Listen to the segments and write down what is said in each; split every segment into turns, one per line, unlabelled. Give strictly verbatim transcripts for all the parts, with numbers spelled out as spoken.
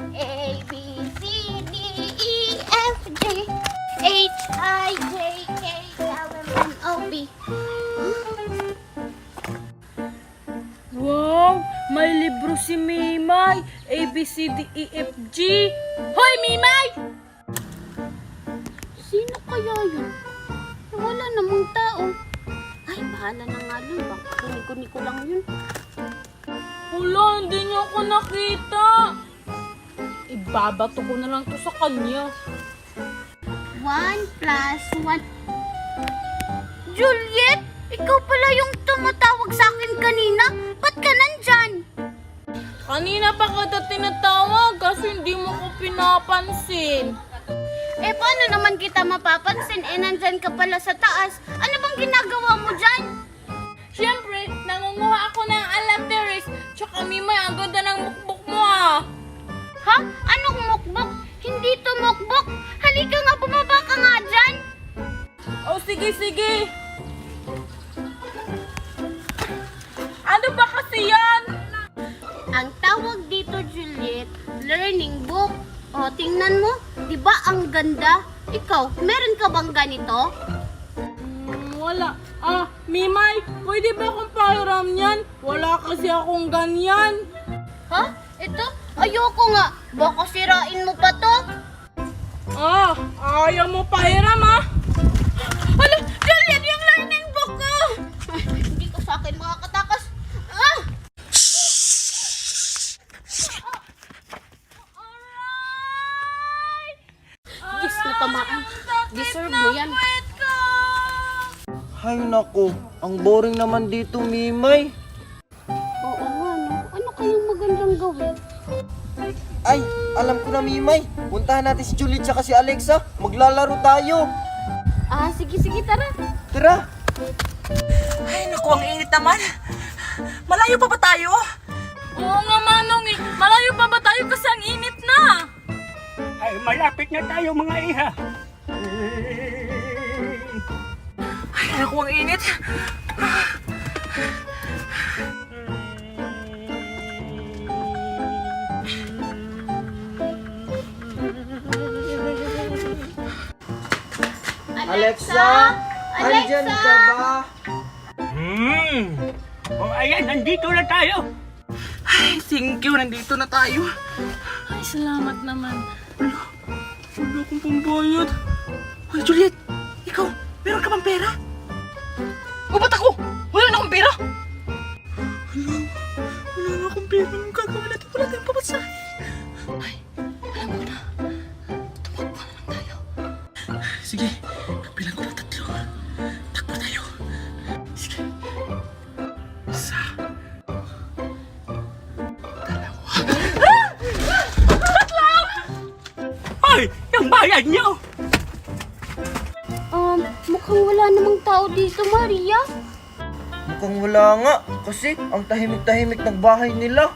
A, B, C, D, E, F, G, H, I, J, K, L, M, N, O, P.
Wow! May libro si Mimay! A, B, C, D, E, F, G! Hoy, Mimay!
Sino kaya yun? Wala namang tao. Ay, bahala na nga dun. Baka kunikuni ko lang yun.
Wala, hindi niya ako nakita! Ibabato ko na lang to sa kanya.
One plus one. Juliet! Ikaw pala yung tumatawag sa akin kanina. Ba't ka nandyan?
Kanina pa kita tinatawag kasi hindi mo ko pinapansin.
Eh, paano naman kita mapapansin? Eh, nandyan ka pala sa taas. Ano bang ginagawa mo dyan?
Siyempre, nangunguha ako ng alateris. Tsaka Mimay, ang ganda ng mukbok mo ah.
Ha? Anong mukbok? Hindi to mukbok. Halika nga, bumaba ka nga dyan.
O sige, sige. Ano ba kasi yan?
Ang tawag dito, Juliet, learning book. O, tingnan mo. Di ba ang ganda? Ikaw, meron ka bang ganito?
Hmm, wala. Ah, Mimay, pwede ba akong pahiram yan? Wala kasi akong ganyan.
Ha? Ito? Ayoko nga. Baka sirain mo pa to.
Ah, ayaw mo pahiram ah.
Hala, Juliet, yung learning book ko! Ay, hindi ko sa akin makakatakas. Ah! Yes, natamaan. Deserve mo yan.
Hay nako, ang boring naman dito, Mimay.
Oo nga, no? Ano kayong magandang gawin?
Ay, alam ko na, Mimay. Puntahan natin si Juliet at si Alexa. Maglalaro tayo.
Ah, sige, sige, tara.
Tara.
Ay, naku, ang init naman. Malayo pa ba tayo?
Oo nga, Manong eh. Malayo pa ba tayo kasi ang init na?
Ay, malapit na tayo mga iha.
Ay, naku, ang init.
Alexa, andyan ka ba?
Hmm. O ayan, nandito na tayo.
Ay, thank you, nandito na tayo.
Ay, salamat naman.
Wala akong pambayad. Hoy, Juliet, ikaw, meron ka bang pera? O, ba't ako? Wala na akong pera. Wala, wala na akong pera. Anong gagawin natin? Wala tayong pamasahe. Ay, alam ko na. Tumakbo na lang tayo. Sige, bilang ko lang tatlo. Takbo tayo. Sige. Isa. Dalawa.
Ay, yung bayad niyo.
Um, mukhang wala namang tao dito, Maria.
Mukhang wala nga. Kasi ang tahimik-tahimik ng bahay nila.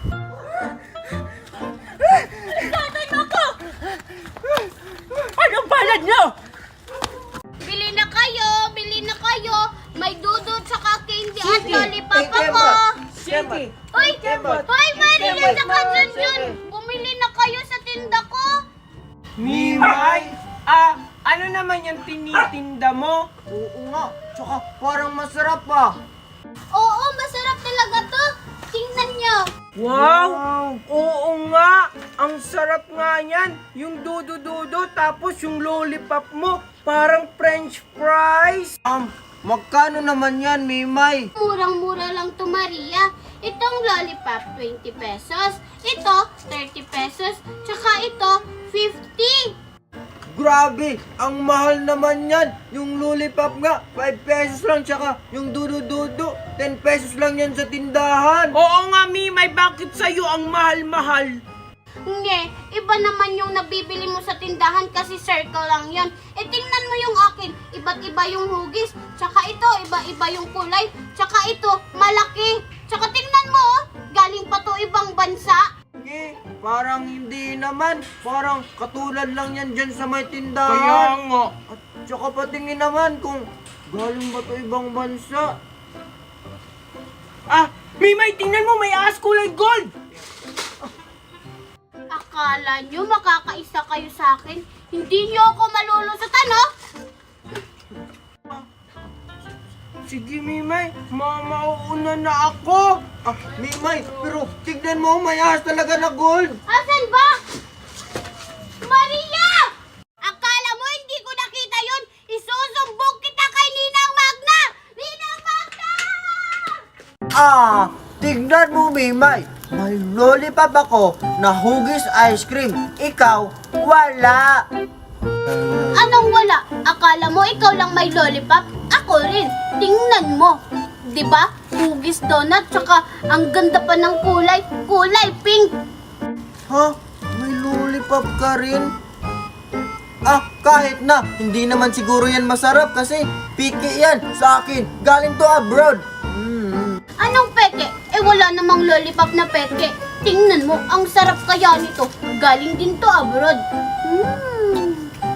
Anong bayad niyo?
Bili na kayo, bili na kayo. May dudot saka candy at
Sige.
lollipop
Eh,
ako.
Sige.
Hoy,
Kemot.
hoy, Maria,
Kemot.
saka Junjun.
Sige.
Bumili na kayo sa tinda ko.
Mimay? Ah, ano naman yung tinitinda mo?
Oo nga. Tsaka parang masarap ah.
Oo, masarap talaga to. Tingnan nyo.
Wow! Oo nga! Ang sarap nga yan! Yung dudu-dudu tapos yung lollipop mo parang french fries!
Um, magkano naman yan, Mimay?
Murang-mura lang to, Maria. Itong lollipop, twenty pesos. Ito, thirty pesos. Tsaka ito, fifty.
Grabe! Ang mahal naman yan! Yung lollipop nga, five pesos lang. Tsaka yung dudu-dudu, ten pesos lang yan sa tindahan.
Oo nga, Mimay, bakit sa'yo ang mahal-mahal?
Hindi, iba naman yung nabibili mo sa tindahan kasi circle lang yon. E tingnan mo yung akin, iba't iba yung hugis. Tsaka ito, iba-iba yung kulay. Tsaka ito, malaki. Tsaka tingnan mo, oh, galing pa to ibang bansa.
Eh, parang hindi naman. Parang katulad lang yan dyan sa may
Kaya
tindahan.
nga.
At tsaka patingin naman kung galing ba to ibang bansa.
Ah, Mimay, tingnan mo, may ahas kulay gold!
Akala Akala nyo makakaisa kayo sa akin? Hindi nyo ako malulusutan, no?
Sige, Mimay. Ma mauuna na ako.
Ah, Mimay, pero tignan mo, may ahas talaga na gold.
Asan ba? Maria! Akala mo hindi ko nakita yun? Isusumbong kita kay Ninang Magna! Ninang Magna!
Ah, tignan mo, Mimay. May lollipop ako na hugis ice cream. Ikaw, wala.
Anong wala? Akala mo ikaw lang may lollipop? Ako rin. Tingnan mo. 'Di ba? Hugis donut, tsaka ang ganda pa ng kulay. Kulay pink.
Ha? May lollipop ka rin? Ah, kahit na. Hindi naman siguro yan masarap kasi piki yan sa akin. Galing to abroad. Mm.
Anong peke? Eh wala namang lollipop na peke. Tingnan mo, ang sarap kaya nito. Galing din to abroad. Hmm.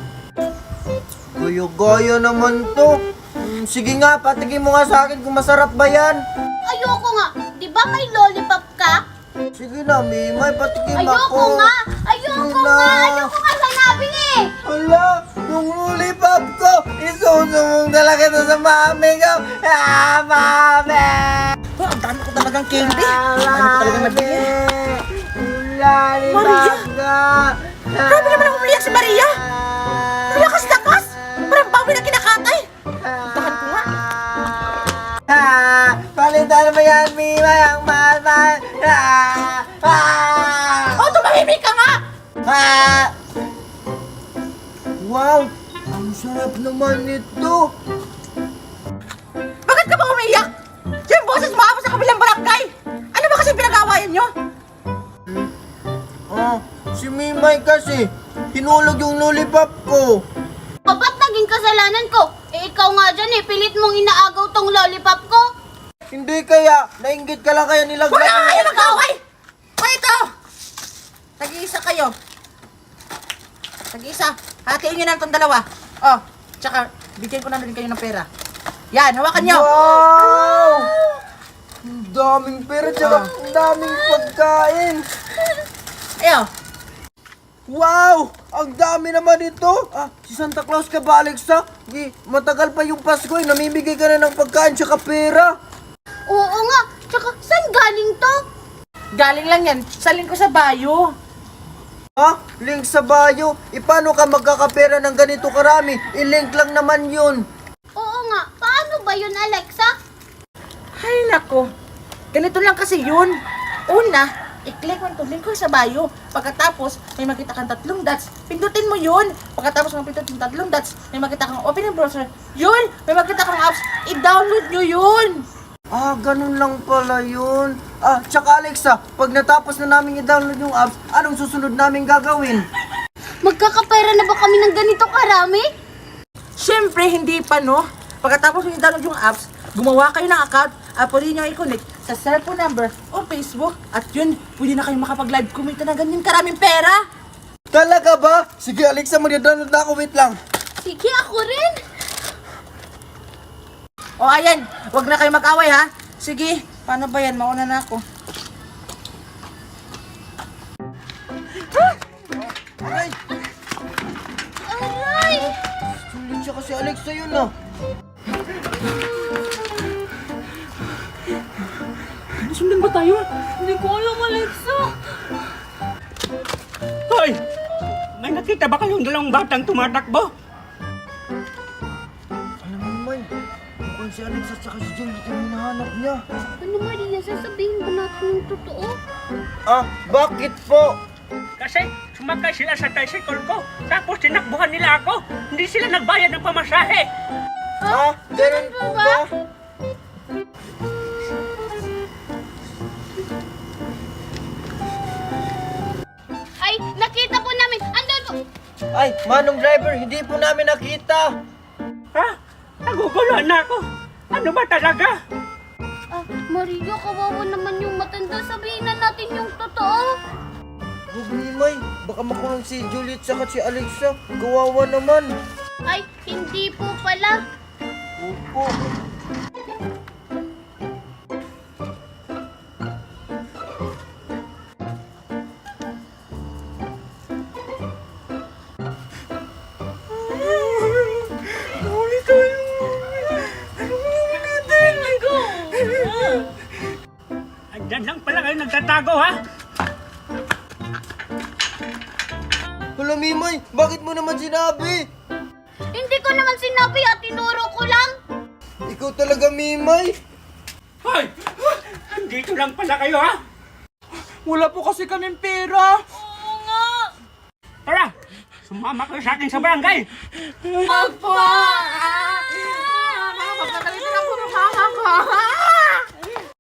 Goyo-goyo naman to. Mm, sige nga, patigin mo nga sa akin kung masarap ba yan.
Ayoko nga. 'Di ba may lollipop ka?
Sige na, Mimay, patikim
Ayoko
ako.
nga. Ayoko
Sige
nga.
na.
Ayoko nga sanabi eh.
Hala, yung lollipop ko, isusumbong talaga to sa mami ko. Ah, mami!
Oh, ang dami ko talagang candy. Ang dami ko talagang nabigyan.
Lollipop ka.
Grabe naman ang umiyak si Maria. Lakas-lakas. Parang bawi na kinakatay. Tahan ko nga.
Ah, palitan mo yan, Mimay, ang mahal-mahal. Ah, ah,
Oh, tumahimik ka nga.
ah. Wow, ang sarap naman nito.
Bakit ka ba umiyak? Yung boses mo ako sa kabilang barangay. Ano ba kasi pinag-awayan nyo?
Ah, si Mimay kasi, hinulog yung lollipop ko.
O ba't naging kasalanan ko? Eh ikaw nga dyan eh, pilit mong inaagaw tong lollipop ko.
Hindi kaya, nainggit ka lang kaya nilaglag
Wala
mo
kayo
ito.
mag-away! O ito! Tag-iisa kayo. Tag-iisa. Hatiin nyo na itong dalawa. Oh, tsaka bigyan ko na rin kayo ng pera. Yan, hawakan nyo.
Wow! Ang daming pera, tsaka
Ah.
ang daming pagkain.
Ayo.
Wow! Ang dami naman ito! Ah, si Santa Claus ka ba, Alexa? Gi, matagal pa yung Pasko eh. Namimigay ka na ng pagkain tsaka pera.
Oo nga, tsaka saan galing to?
Galing lang yan. Salin ko sa bayo.
Ha? Link sa bio? E paano ka magkakapera ng ganito karami? I-link lang naman yun.
Oo nga, paano ba yun Alexa?
Ay, nako. Ganito lang kasi yun. Una, i-click mo itong link ko sa bio. Pagkatapos, may makita kang tatlong dots. Pindutin mo yun. Pagkatapos mo pindutin yung tatlong dots, may makita kang open yung browser. Yun! May makita kang apps. I-download nyo yun.
Ah, ganun lang pala yun. Ah, tsaka Alexa, pag natapos na namin i-download yung apps, anong susunod namin gagawin?
Magkakapera na ba kami ng ganito karami?
Siyempre, hindi pa, no? Pagkatapos mo i-download yung apps, gumawa kayo ng account at pwede nyo i-connect sa cellphone number o Facebook. At yun, pwede na kayong makapag-live kumita ng ganyan karaming pera.
Talaga ba? Sige Alexa, mag-download na ako, wait lang.
Sige, ako rin.
O ayan, wag na kayo mag-away ha. Sige, paano ba yan? Mauna na ako.
Aray!
Aray!
Sulit siya kasi Alexa yun ah.
Nasundan ba tayo? Hindi ko alam, Alexa.
Hoy! May nakita ba kayong dalawang batang tumatakbo?
Alam mo naman, mukhang si Alexa at si Juliet yung hinahanap niya.
Ano Maria, sasabihin ba natin yung totoo?
Ah, bakit po?
Kasi sumakay sila sa tricycle ko. Tapos tinakbuhan nila ako. Hindi sila nagbayad ng pamasahe.
Ah, ganun po ba?
Ay, nakita po namin. Andun po.
Ay, manong driver, hindi po namin nakita.
Ha? Naguguluhan na ako. Ano ba talaga?
Ah, Maria, kawawa naman yung matanda. Sabihin na natin yung totoo.
Huwag Mimay, baka makulong si Juliet saka si Alexa. Kawawa naman.
Ay, hindi po pala.
Opo.
Diyan lang pala kayo nagtatago, ha?
Hala, Mimay, bakit mo naman sinabi?
Hindi ko naman sinabi at tinuro ko lang.
Ikaw talaga, Mimay.
Hoy! Dito lang pala kayo, ha?
Wala po kasi kaming pera.
Tara! Sumama kayo sa akin sa barangay!
Opo! Ah, mama, pagkakalitan ako ng mama ko.